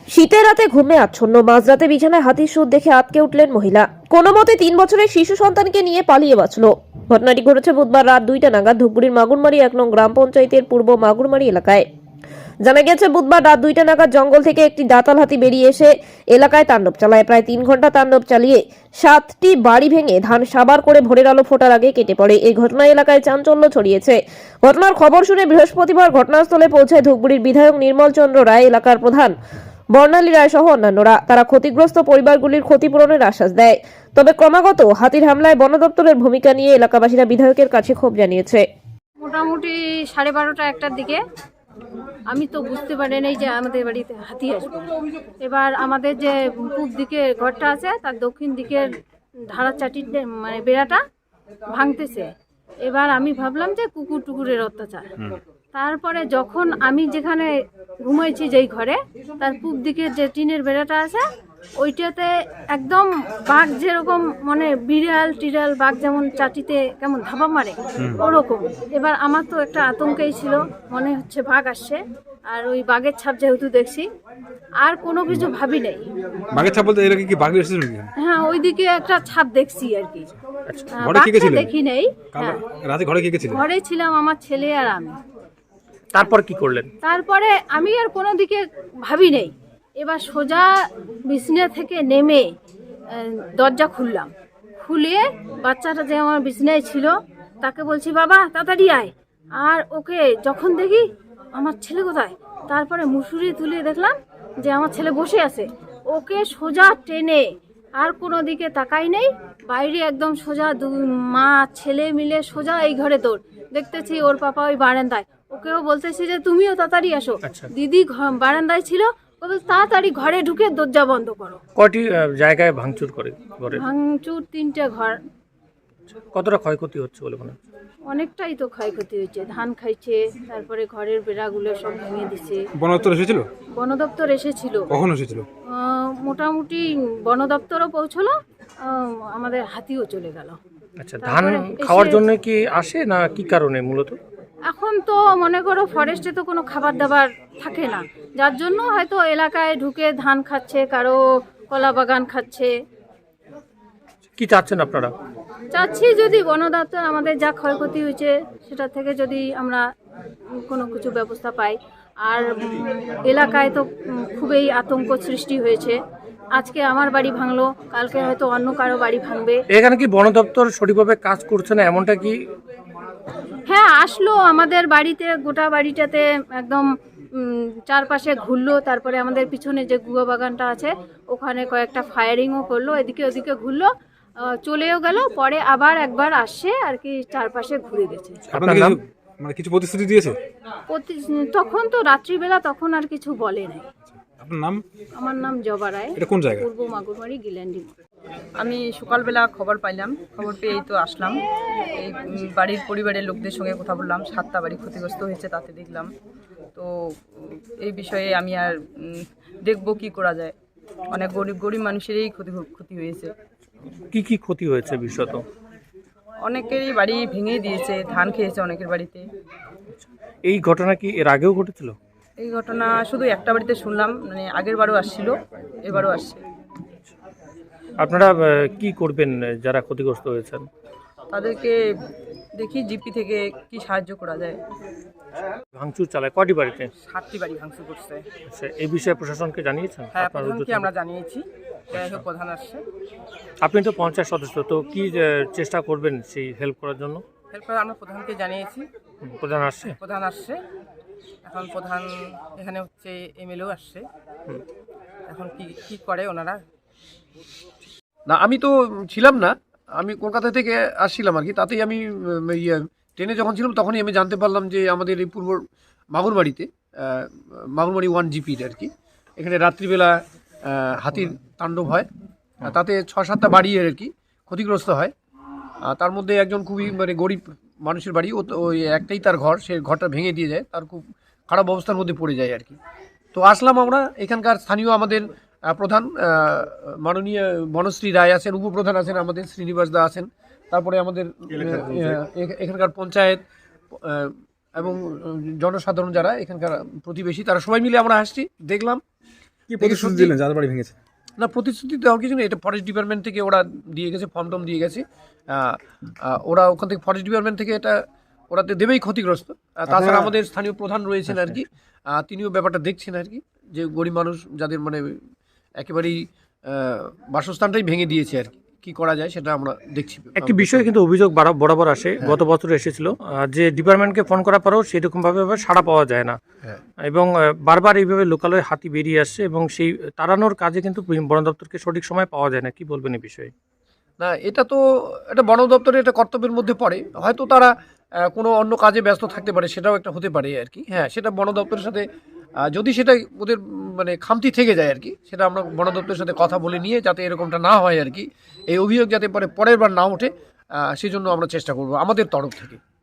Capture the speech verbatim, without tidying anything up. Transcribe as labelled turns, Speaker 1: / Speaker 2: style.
Speaker 1: শীতের রাতে ঘুমে আচ্ছন্ন, মাঝরাতে বিছানায় হাতির সুর দেখে আঁতকে উঠলেন মহিলা। কোনো মতে তিন বছরের শিশু সন্তানকে নিয়ে পালিয়ে বাঁচল। ঘটনাটি ঘটেছে বুধবার রাত দুইটা নাগাদ ধূপগুড়ির মাগুরমারি এক নং গ্রাম পঞ্চায়েতের পূর্ব মাগুরমারি এলাকায়। জানা গেছে বুধবার রাত দুইটা নাগাদ জঙ্গল থেকে একটি দাঁতাল হাতি বেরিয়ে এসে এলাকায় তাণ্ডব চালায়। প্রায় তিন ঘন্টা তাণ্ডব চালিয়ে সাতটি বাড়ি ভেঙে ধান সাবার করে ভোরের আলো ফোটার আগে কেটে পড়ে। এই ঘটনায় এলাকায় চাঞ্চল্য ছড়িয়েছে। ঘটনার খবর শুনে বৃহস্পতিবার ঘটনাস্থলে পৌঁছায় ধূপগুড়ির বিধায়ক নির্মল চন্দ্র রায়, এলাকার প্রধান বর্ণালী রায় সহ অন্যান্যরা। তারা ক্ষতিগ্রস্ত পরিবারগুলির ক্ষতিপূরণের আশ্বাস দেয়। তবে ক্রমাগত হাতির হামলায় বন দপ্তরের ভূমিকা নিয়ে এলাকাবাসীরা বিধায়কের কাছে ক্ষোভ জানিয়েছে।
Speaker 2: মোটামুটি সাড়ে বারোটা একটার দিকে আমি তো বুঝতে পারি নাই যে আমাদের বাড়িতে হাতি আসবে। এবার আমাদের যে পূব দিকে ঘরটা আছে তার দক্ষিণ দিকের ধারা চাটির মানে বেড়াটা ভাঙতেছে। এবার আমি ভাবলাম যে কুকুর টুকুরের অত্যাচার। তারপরে যখন আমি যেখানে ঘুমাইছি যেই ঘরে তার পূব দিকের যে টিনের বেড়াটা আছে ওইটাতে একদম বাঘ যেরকম মানে বিড়াল টিড়াল বাঘ যেমন চাটিতে কেমন ধাপা মারে ওরকম। এবার আমার তো একটা আতঙ্কেই ছিল, মনে হচ্ছে বাঘ আসছে। আর ওই বাঘের ছাপ যেহেতু দেখছি আর কোনো কিছু ভাবি নাই।
Speaker 3: বাঘের ছাপ বলতে এর কি বাঘ এসেছিল নাকি?
Speaker 2: হ্যাঁ, ওইদিকে একটা ছাপ দেখছি আর কি।
Speaker 3: আচ্ছা,
Speaker 2: হ্যাঁ,
Speaker 3: ঘরে কে কে
Speaker 2: বাঘটা
Speaker 3: ছিলেন?
Speaker 2: দেখি নাই।
Speaker 3: কাল
Speaker 2: হ্যাঁ,
Speaker 3: রাতে ঘরে কে কে ছিলেন?
Speaker 2: ঘরে ছিলাম আমার ছেলে আর আমি।
Speaker 4: তারপর কি করলেন?
Speaker 2: তারপরে আমি আর কোনো দিকে ভাবি নেই। এবার সোজা বিছনা থেকে নেমে আহ, দরজা খুললাম। খুলে বাচ্চাটা যে আমার বিছনায় ছিল তাকে বলছি, বাবা তাড়াতাড়ি আয়। আর ওকে যখন দেখি আমার ছেলে কোথায়, তারপরে মুসুরি তুলে দেখলাম যে আমার ছেলে বসে আছে। ওকে সোজা টেনে আর কোনো দিকে তাকাই নেই, বাইরে একদম সোজা দুই মা ছেলে মিলে সোজা এই ঘরে দৌড়। দেখতেছি ওর পাপা ওই বারান্দায়। ওকেও বলতেছি যে তুমিও তাড়াতাড়ি আসো।
Speaker 4: আচ্ছা।
Speaker 2: দিদি ঘ- বারান্দায় ছিল, ও বলছে তাড়াতাড়ি ঘরে ঢুকে দরজা বন্ধ করো।
Speaker 4: কয়টি আহ, জায়গায় ভাঙচুর করে ঘরে?
Speaker 2: ভাঙচুর তিনটে ঘর।
Speaker 4: কতটা ক্ষয়ক্ষতি হচ্ছে বলে মনে হচ্ছে?
Speaker 2: অনেকটাই তো ক্ষয়ক্ষতি হয়েছে, ধান খাইছে, তারপরে ঘরের বেড়াগুলো সব ভেঙে দিছে।
Speaker 3: বন দপ্তর এসেছিল?
Speaker 2: বন দপ্তর এসেছিল,
Speaker 3: কখন এসেছিল?
Speaker 2: আহ, মোটামুটি বন দপ্তরও পৌঁছলো, আহ, আমাদের হাতিও চলে গেল।
Speaker 4: আচ্ছা, ধান
Speaker 2: তারপরে
Speaker 4: খাওয়ার
Speaker 2: এসে-
Speaker 4: জন্য কি আসে না কি কারণে মূলত?
Speaker 2: এখন তো মনে করো ফরেস্টে তো কোনো খাবার দাবার থাকে না, যার জন্য হয়তো এলাকায় ঢুকে ধান খাচ্ছে, কারো কলা বাগান খাচ্ছে।
Speaker 4: কি চাচ্ছেন আপনারা?
Speaker 2: চাচ্ছি যদি বন দপ্তর আমাদের যা ক্ষয়ক্ষতি হয়েছে সেটা থেকে যদি আমরা কোনো কিছু ব্যবস্থা পাই। আর উম, এলাকায় তো উম, খুবই আতঙ্ক সৃষ্টি হয়েছে। আজকে আমার বাড়ি ভাঙলো, কালকে হয়তো অন্য কারো বাড়ি ভাঙবে।
Speaker 4: এখানে কি বন দপ্তর সঠিকভাবে কাজ করছে না এমনটা কি?
Speaker 2: হ্যাঁ, আসলো আমাদের বাড়িতে, গোটা বাড়িটাতে একদম উম, চারপাশে ঘুরলো। তারপরে আমাদের পিছনে যে গুয়া বাগানটা আছে ওখানে কয়েকটা ফায়ারিংও করলো, এদিকে ওদিকে ঘুরলো, আহ, চলেও গেল। পরে আবার একবার আসছে আর কি, চারপাশে ঘুরে গেছে।
Speaker 3: আপনাদের
Speaker 4: নাম?
Speaker 3: কিছু- মানে কিছু প্রতিশ্রুতি দিয়েছে?
Speaker 2: প্রতি- তখন তো রাত্রিবেলা, তখন আর কিছু বলে নাই।
Speaker 3: আপনার নাম?
Speaker 2: আমার নাম জবা রায়,
Speaker 3: এটা কোন জায়গা?
Speaker 2: পূর্ব মাগুরমারি গিল্যান্ডি।
Speaker 5: আমি সকালবেলা খবর পাইলাম, খবর পেয়েই তো আসলাম। এই উম, বাড়ির পরিবারের লোকদের সঙ্গে কথা বললাম, সাতটা বাড়ি ক্ষতিগ্রস্ত হয়েছে তাতে দেখলাম। তো উম, এই বিষয়ে আমি আর উম, দেখবো কি করা যায়। অনেক গরিব গরিব মানুষেরই ক্ষতি ক্ষতি হয়েছে।
Speaker 4: কি কি ক্ষতি হয়েছে বিশেষত?
Speaker 5: অনেকেরই বাড়ি ভেঙে দিয়েছে, ধান খেয়েছে অনেকের বাড়িতে।
Speaker 4: এই ঘটনা কি এর আগেও ঘটেছিল?
Speaker 5: এই ঘটনা শুধু একটা বাড়িতে শুনলাম, মানে আগের বারও আসছিল, এবারও আসছে।
Speaker 4: আপনারা আহ, কি করবেন যারা ক্ষতিগ্রস্ত হয়েছেন?
Speaker 5: তাদেরকে দেখি জিপি থেকে কি সাহায্য করা যায়।
Speaker 4: ভাঙচুর চালায় কয়টি বাড়িতে?
Speaker 5: সাতটি বাড়ি ভাঙচুর করছে।
Speaker 4: আচ্ছা, এই বিষয়ে প্রশাসনকে জানিয়েছেন?
Speaker 5: হ্যাঁ,
Speaker 4: আপনার
Speaker 5: প্রধানকে
Speaker 4: উদ্যোগে?
Speaker 5: আমরা জানিয়েছি, যাই হোক প্রধান আসছে।
Speaker 4: আপনি তো পঞ্চায়েত সদস্য, তো কি আহ, চেষ্টা করবেন সেই হেল্প করার জন্য?
Speaker 5: হেল্প করে আমরা প্রধানকে জানিয়েছি,
Speaker 4: হুম, প্রধান আসছে?
Speaker 5: প্রধান আসছে। এখন প্রধান এখানে হচ্ছে এমএলএও আসছে। এখন কি কি করে ওনারা।
Speaker 6: না, আমি তো ছিলাম না, আমি কলকাতা থেকে আসছিলাম আর কি। তাতেই আমি উম, ইয়ে ট্রেনে যখন ছিলাম তখনই আমি জানতে পারলাম যে আমাদের এই পূর্ব মাগুরবাড়িতে আহ, মাগুরবাড়ি ওয়ান জিপির আর কি, এখানে রাত্রিবেলা আহ, হাতির তাণ্ডব হয়। আর তাতে ছ সাতটা বাড়ি আর কি ক্ষতিগ্রস্ত হয়। আর তার মধ্যে একজন খুবই মানে গরিব মানুষের বাড়ি, ও তো ওই একটাই তার ঘর, সে ঘরটা ভেঙে দিয়ে যায়, তার খুব খারাপ অবস্থার মধ্যে পড়ে যায় আর কি। তো আসলাম আমরা, এখানকার স্থানীয় আমাদের আহ, প্রধান আহ, মাননীয় বনশ্রী রায় আছেন, উপপ্রধান আছেন আমাদের শ্রীনিবাস দা আছেন, তারপরে আমাদের আহ, এখ- এখানকার পঞ্চায়েত আহ, এবং জনসাধারণ যারা এখানকার প্রতিবেশী, তারা সবাই মিলে আমরা আসছি, দেখলাম।
Speaker 3: কি প্রতিশ্রুতি
Speaker 6: সত্যি-
Speaker 3: দিলেন যাদের বাড়ি ভেঙেছে?
Speaker 6: না, প্রতিশ্রুতি দেওয়ার কিছু নেই, এটা ফরেস্ট ডিপার্টমেন্ট থেকে ওরা দিয়ে গেছে, ফর্ম টর্ম দিয়ে গেছে। আহ, আহ, ওরা ওখান থেকে ফরেস্ট ডিপার্টমেন্ট থেকে এটা ওরা তো দেবেই ক্ষতিগ্রস্ত। আহ, তাছাড়া
Speaker 3: আপনারা-
Speaker 6: আমাদের স্থানীয় প্রধান রয়েছেন আর কি, আহ, তিনিও ব্যাপারটা দেখছেন আর কি, যে গরিব মানুষ যাদের মানে একেবারেই আহ, বাসস্থানটাই ভেঙে দিয়েছে আর কি, কি করা যায় সেটা আমরা দেখছি।
Speaker 4: একটি বিষয়ে কিন্তু অভিযোগ বারা- বরাবর আসে, গত বছর এসেছিল আহ, যে ডিপার্টমেন্টকে ফোন করার পরেও সেরকম ভাবে সাড়া পাওয়া যায় না,
Speaker 6: হ্যাঁ।
Speaker 4: এবং আহ, বারবার এইভাবে লোকালয়ে হাতি বেরিয়ে আসছে এবং সেই তাড়ানোর কাজে কিন্তু বন দপ্তরকে সঠিক সময় পাওয়া যায় না। কি বলবেন এই বিষয়ে?
Speaker 6: না, এটা তো এটা বন দপ্তরের একটা কর্তব্যের মধ্যে পড়ে, হয়তো তারা আহ, কোনো অন্য কাজে ব্যস্ত থাকতে পারে, সেটাও একটা হতে পারে আর কি। হ্যাঁ, সেটা বন দপ্তরের সাথে আহ, যদি সেটা ওদের উম, মানে খামতি থেকে যায় আর কি, সেটা আমরা বন দপ্তরের সাথে কথা বলে নিয়ে যাতে এরকমটা না হয় আর কি, এই অভিযোগ যাতে পরে পরের বার না ওঠে, আহ, সেই জন্য আমরা চেষ্টা করবো আমাদের তরফ থেকে।